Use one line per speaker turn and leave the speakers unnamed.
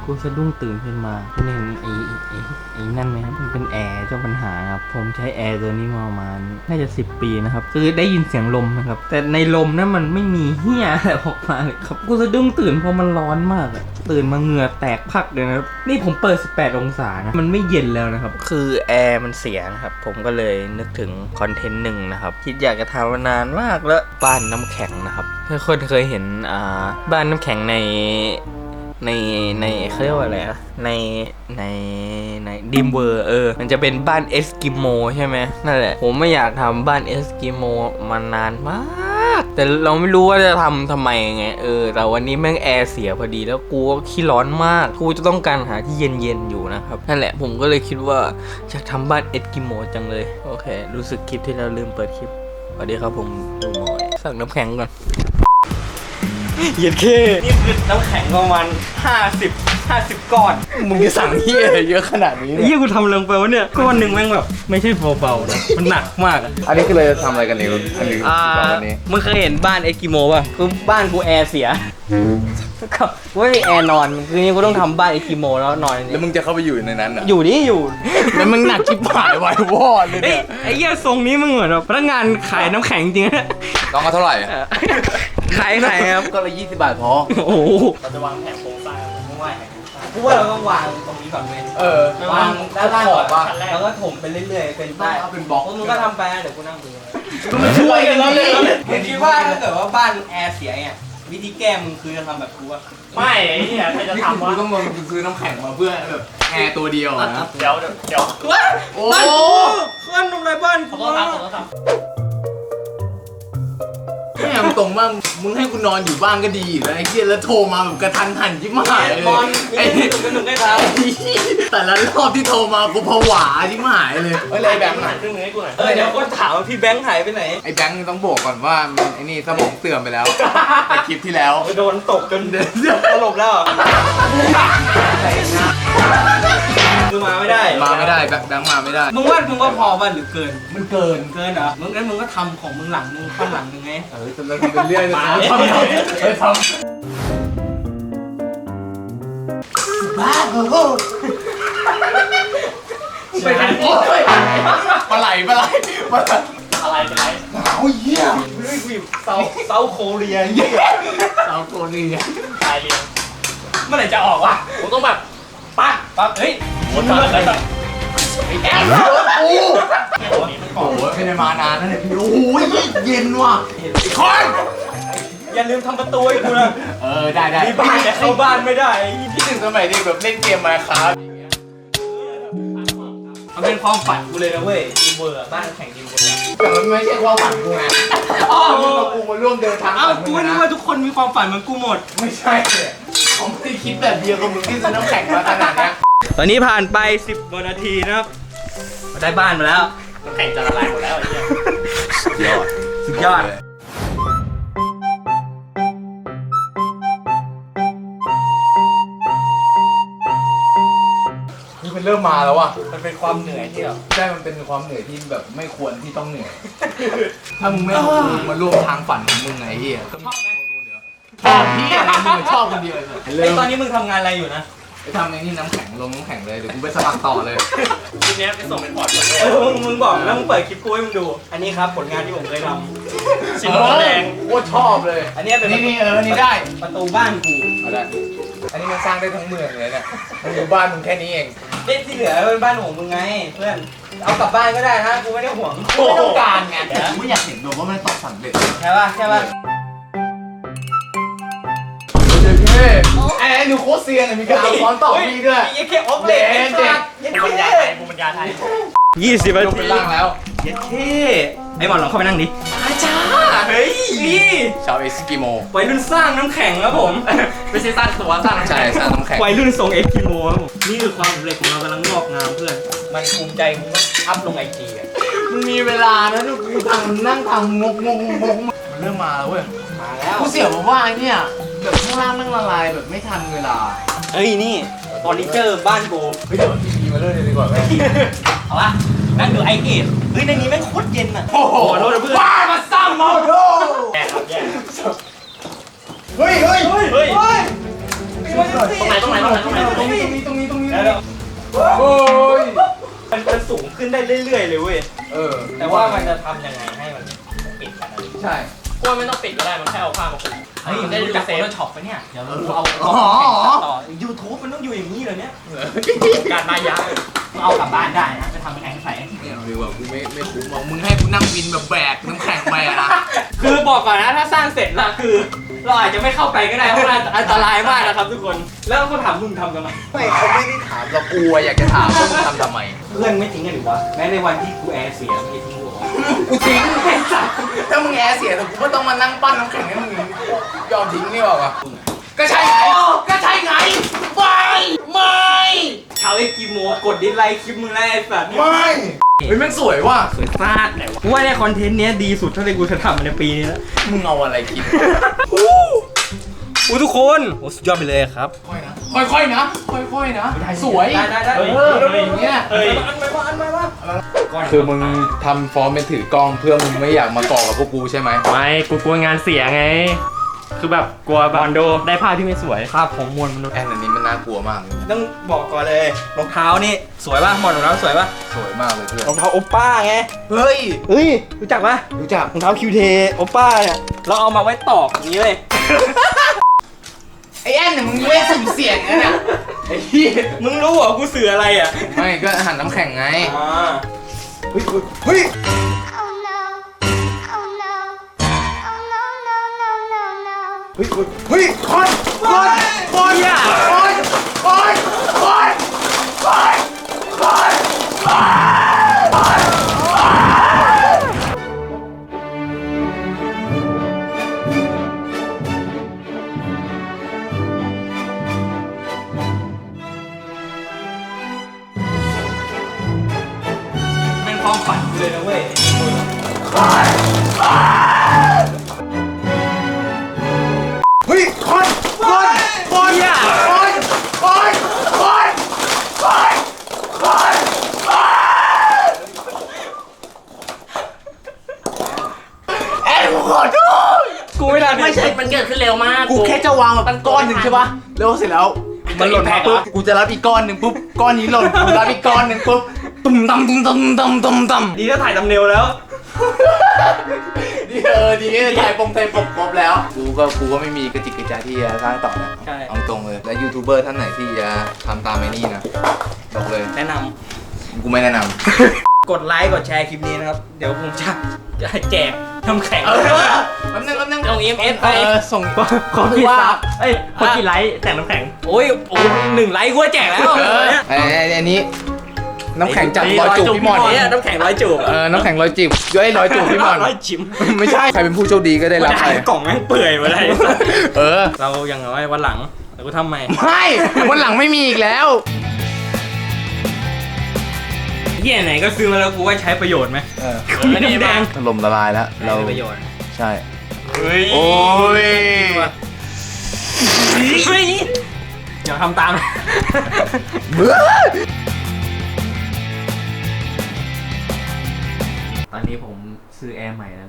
กูสะดุ้งตื่นขึ้นมาคุณเห็นไอ้นั่นไหมครับมันเป็นแอร์เจ้าปัญหาครับผมใช้แอร์ตัวนี้มาประมาณน่าจะ10 ปีนะครับคือได้ยินเสียงลมนะครับแต่ในลมนั้นมันไม่มีเหี้ยอะไรออกมาเลยครับกูสะดุ้งตื่นเพราะมันร้อนมากตื่นมาเหงื่อแตกพักเลยนะครับนี่ผมเปิด18 องศานะมันไม่เย็นแล้วนะครับคือแอร์มันเสียนะครับผมก็เลยนึกถึงคอนเทนต์หนึ่งนะครับคิดอยากจะทำมานานมากแล้วบ้านน้ำแข็งนะครับถ้าคนเคยเห็นบ้านน้ำแข็งในเขาเรียกว่าอะไรนะในดิมเวอร์มันจะเป็นบ้านเอสกิโมใช่ไหมนั่นแหละผมไม่อยากทำบ้านเอสกิโมมานานมากแต่เราไม่รู้ว่าจะทำไมไงแต่วันนี้แม่งแอร์เสียพอดีแล้วกูก็ขี้ร้อนมากกูจะต้องการหาที่เย็นๆอยู่นะครับนั่นแหละผมก็เลยคิดว่าอยากทำบ้านเอสกิโมจังเลยโอเครู้สึกคลิปที่เราลืมเปิดคลิปสวัสดีครับผมดูหน่อยสั่งน้ำแข็งก่อนเย็นเคนี่คือน้ำแข็งประมาณ50 ก้อนมึงจะสั่งเฮียเยอะขนาดนี้เฮียกูทำลงไปวะเนี่ยก้อนหนึ่งแม่งแบบไม่ใช่เบาๆนะมันหนักมากอ่ะ
อันนี้คือเราจะทำอะไรกันเนี่ยอันนี้วันนี้
มึงเคยเห็นบ้านเอสกิโมป่ะคือบ้านกูแอร์เสียก็ไม่มีแอร์นอนคือนี่กูต้องทำบ้านเอสกิโมแล้วนอน
แล้วมึงจะเข้าไปอยู่ในนั้นอ่ะ
อยู่นี่อยู่
แล้วมึงหนักชิบหายไว้วอดเลยเนี่ย
ไอ้เหี้ยทรงนี้มึงเหมือนแบบพนักงานขายน้ำแข็งจริงนะ
ต้องเอาเท่าไหร่
ขายครับ
ก็ละ20 บาทพอ
โอ้โหเราจะวางแผนโครงสร้างมึงว่ากูว่าเราต้องวางตรงนี้ก่อนเลยวางด้านล่างก่อนแล้วก็ถมไปเรื่อยๆเป็นได้
เอาเป็นบล็อก
มึงก็ทำไปเดี๋ยวกูนั่งดูมันช่วยกันเลยมึงคิดว่าถ้าเกิดว่าบ้านแอร์เสียเนี่ยวิธีแก้มึงคือจะทำแบบกูอะ
ไม่ไอ้เนี่ยใครจะทำวะ
ต้องซื้อน้ำแข็งมาเพื่อแบบแอร์ตัวเดียวนะ
เดี๋ยว
โอ้บ้านทำไรบ้านกู
เนี่ยมึงตรงว่ามึงให้กูนอนอยู่บ้านก็ดีอยู่แล้วไอ้เหี้ยแล้วโทรมาแบบกระทันหันชิบหายเลย
ไอ้หนุ่มได้ทำ
แต่ละรอบที่โทรมากูผวาชิบหายเลย
ไอ้แบงค์หายครึ่งนึงให้กูหน่อย
เดี๋ยวคนถามว่าพี่แบงค์หายไปไหน
ไอ้แบงค์ต้องบอกก่อนว่าไอ้นี่สมองเสื่อมไปแล้วในคลิปที่แล้ว
โดนตกจนสลบแล้วมึงมาไม่ได้
แบงค์มาไม่ได้
มึงว่าพอป่ะหรือเกิน
มันเกิน
เหรองั้นมึงก็ทำของมึงหลังนึงข้างหลังนึงไง
จนเราทำเป็นเรื่อยเลยทำบ้าเป็นปลาไหล
อะไร
โอ้ยเหี้ย
เซาโคเรีย
ต
ายเรียง
เมื่อไหร่จะออกวะ
ผมต้องแบบปั๊บเฮ้ย
หมดเลย
แอบโอ้โหไม่ได้มานานนะเนี่ยพี่โอ้ยเย็นว่ะคอน
อย่าลืมทำประตูให้กูนะ
ได้
มีบ้านแต่เข้าบ้านไม่ได้
พี่ถึงสมัยเด็กแบบเล่นเกมมาครับ
มันเป็นความฝันกูเลยนะเว้ยดิมเวอร์บ้านแข่งดิมเวอร์
แต่มันไม่ใช่ความฝันกูไงกูมาร่วมเดินทาง
กูนึกว่าทุกคนมีความฝันเหมือนกูหมด
ไม่ใช่เขาไม่ได้คิดแบบเดียวกับมึงที่ซื้อน้ำแข็งมาขนาดนี้
ตอนนี้ผ่านไป10 กว่านาทีนะครับได้บ้านมาแล้ว
น้ำแข็งจะละลายหมดแล้วไอ้เนี่ย
สุดยอด
นี่มันเริ่มมาแล้วว่ะ
มันเป็นความเหนื่อยที่แบบ
ใช่มันเป็นความเหนื่อยที่แบบไม่ควรที่ต้องเหนื่อยถ้ามึงไม่มาร่วมทางฝันของมึงไงเหี้ยชอบไหมชอบพี่อะไรมึงชอบคนเดียว
เลยตอนนี้มึงทำงานอะไรอยู่นะ
ไปทำไอ้นี่น้ำแข็งลงน้ำแข็งเลยเดี๋ยวกูไปสมัครต่อเลย
ทีนี้ไปส่งเป็นพอร์ตเลย
มึงบอกแล้วมึงเปิดคลิปกูให้มึงดูอันนี้ครับผลงานที่ผมเคยท
ำชิ้นแรง
โคตรชอบเลย
อันนี้เป็น
นี่นี่ได้
ประตูบ้านกู
ได้อันนี้มันสร้างได้ทั้งเมืองเลยเนี่ยมันอยู่บ้านมึงแค่นี้เอง
ที่เหลือเป็นบ้านของมึงไงเพื่อนเอากลับบ้านก็ได้นะกูไม่ได้ห่วง
กูไม่ต้องการไงกูอยากเห็นดูว่ามันตกสำเร็จ
ใช่ป่ะ
ไอ้หนูโคตรเซียนเลยมีการเอาค้อนต่อพี่ด้วย
ยังแค่ออฟเลนเด็ก
ภูมิปัญญาไทย
20 นาที
เป็นร่างแล้ว
ยัดเท่ไอ้หมอนลองเข้าไปนั่งดิอาจารย์เฮ้ย
ชาวเอสกิโม
วัยรุ่นสร้างน้ำแข็งครับผม
ไม่ใช่สร้างตัวสร้างน้ำแข็ง
สร้างน้ำแข็ง
วัยรุ่นทรงเอสกิโมครับผมนี่คือความสำเร็จของเรากำลังงอกงามเพื่อนมันภูมิใจมึงอัพลงไอจีอ่ะ
มึงมีเวลานะทุกคนนั่งทำงกเริ่มมาแล้วเว้ย
มาแล้ว
กูเสียบอกว่าเนี่ยแบบข้างล่างนั่งละลายแบบไม่ทันเวลา
เอ้ยนี่ฟอร์นิเจอร์บ้านกู
เฮ้ยเดี๋ยวทีวีมาเล่นเลยดีกว่าไหม
เอาละนั่งดูไอเอทเฮ้ยในนี้แม่งโคตรเย็นอ่ะ
โอ้โห
โทษนะเพื่อน
ว้ามาซ้ำมาโด
แย่ครับแย่
เฮ้ย
ตรงไหนตรงนี้
โอ้ย
มันสูงขึ้นได้เรื่อยๆเลยเว้ย
แต่
แต่
ว่า
ว่ามันจะทำยังไงให้มันปิดกันนะ
ใช่
กล้วยไม่ต้องปิดก็ได้มันแค่เอาผ้ามาคุม
เฮ้ย
มันได้
รู้
ดู
จัก
เซ
โฟ
ฟ
โต้ช็อปปะเนี่ย เดี๋ยวเราเอา
อ๋อ
ต่อ YouTube มันต้องอยู่อย่างนี้เลยเนี่ย
การมายา
มึงเอากลับบ้านได้นะจะทำแข็งใส
ไม่เอาดีกว่ากูไม่คุ้มหรอกมึงให้กูนั่งวินแบบแบกน้ำแข็งไปอะนะ
คือบอกก่อนนะถ้าสร้างเสร็จละคือ เราอาจจะไม่เข้าไปก็ได้เพราะมันอันตรายมากนะครับทุกคน แล้วก็ถามมึงทำกันไหม
ไม่เขาไม่ได้ถามเรากูอะอยากจะถามว่ามึงทำทำไม
เพื่อนไม่ทิ้งกันหรือวะแม้ในวันที่กูแอร์เสียไม่ทิ้งกูวะ
กูทิ้งไอ้สัสถ้ามึงแอร์เสียแต่กูก็ต้องมานั่งปั้นน้ำแข็งให้มึงยอมทิ้งนี่หรอกอะก็ใช่ไงก็ใช่ไงไม่
ชาวเอ็กกิโมกดดิสไลค์คลิปมึงแล้วไอ้สัตว์
ไม่เฮ้ยแม่งสวยว่ะ
สวยซาดไหนวะกูว่าเนี่ยคอนเทนต์เนี้ยดีสุดเท่าที่กูจะทำในปีนี้แล้ว
มึงเอาอะไรกิน
อู้ทุกคนโอ้สุดยอดไปเลยครับ
ค่อยนะค่อยๆนะค่อยๆนะสวย
ได้
อย่างเงี้ย
เฮ้ย
คือมึงทำฟอร์มเป็นถือกล้องเพื่อมึงไม่อยากมาก่อกับพวกกูใช่ไหม
ไม่กูกลัวงานเสียไง คือแบบกลัวบอลโดได้ภาพที่ไม่สวยภาพของมวลมนุษย์
แอนอันนี้มันน่ากลัวมากเลย
ต้องบอกก่อนเลยรองเท้านี่สวยป่ะหมอนรองเท้าสวยป่ะ
สวยมากเลยเพื่อน
รองเท้าโอป้าไง
เฮ้ย
เฮ้ยรู้จักป่ะ
รู้จัก
รองเท้าคิวเทโอป้าเนี่ยเราเอามาไว้ตอกอย่างนี้เลย
ไอ้แอนเนี่ยมึงไม่สุ่มเสี่ยงนะเนี่ยไอ้เหี้ย
มึงรู้เหรอกูสื่ออะไรอ่ะ
ไม่ก็หันน้ำแข็งไง
อ่า
เฮ้ยเฮ้ย
Oh no. Oh no. Oh no, no, no, no, no.
เฮ้ยคนอย่า
เป็นความฝันกูเลยนะเว้ย
เฮ้ยคนอย่าแอนกูขอโทษ
กูไม่ได้
ไม่ใช่ มันเกิดขึ้นเร็วมาก
กูแค่จะวางแบบก้อนหนึ่งใช่ปะแล้วเสร็จแล้วมันหล่นมาปุ๊บกูจะรับอีกก้อนหนึ่งปุ๊บก้อนนี้หล่นกูรับอีกก้อนหนึ่งปุ๊บตุ้มตำ
ดีถ้าถ่ายทำเนวแล้ว
ดีถ่ายไทยปกครบแล้วกูก็ไม่มีกระจิกกระใจที่จะสร้างต่อนะ
ใช่
เอาตรงเลยและยูทูบเบอร์ท่านไหนที่จะทำตามไอ้นี่นะบอกเลย
แนะน
กูไม่แนะนำ
ำกดไลค์กดแชร์คลิปนี้นะครับ เดี๋ยวผมจะแจกน้ำแข็ง
แป๊บนึง
ส่ง EMS ไป
ส่ง
ขอกี่ซับเอ้ยขอกี่ไลค์แจกน้ำแข็ง โอ้ย1 ไลค์กูก็แจกแล้ว
อันนี้น้ำแข็งจับรอยจูบพี่มอน
เนี่ยน้ำแข็งร้อยจูบ
น้ำแข็งรอยจีบย้อยรอยจูบพี่มอน
ร้อยจิ๋ม
ไม่ใช่ใครเป็นผู้โชคดีก็ได้รับไป
กล่องแม่งเปื่อยมาเลย
เออ
เราอย่างน้อยวันหลังเดี๋ยวกูทำใหม่
ไม่วันหลังไม่มีอีกแล้ว
เหี้ยไหนก็ซื้อมาแล้วกูว่าใช้ประโยชน์ไหม
อันนี้
แดง
ถล่มละลายแล้ว
เรา
เรา
ประโยชน์
ใช่
เฮ้ย
โอ้ย
เฮ้ยเดี๋ยวทำตาม
ตอนนี้ผมซื้อแอร์ใหม่แล้ว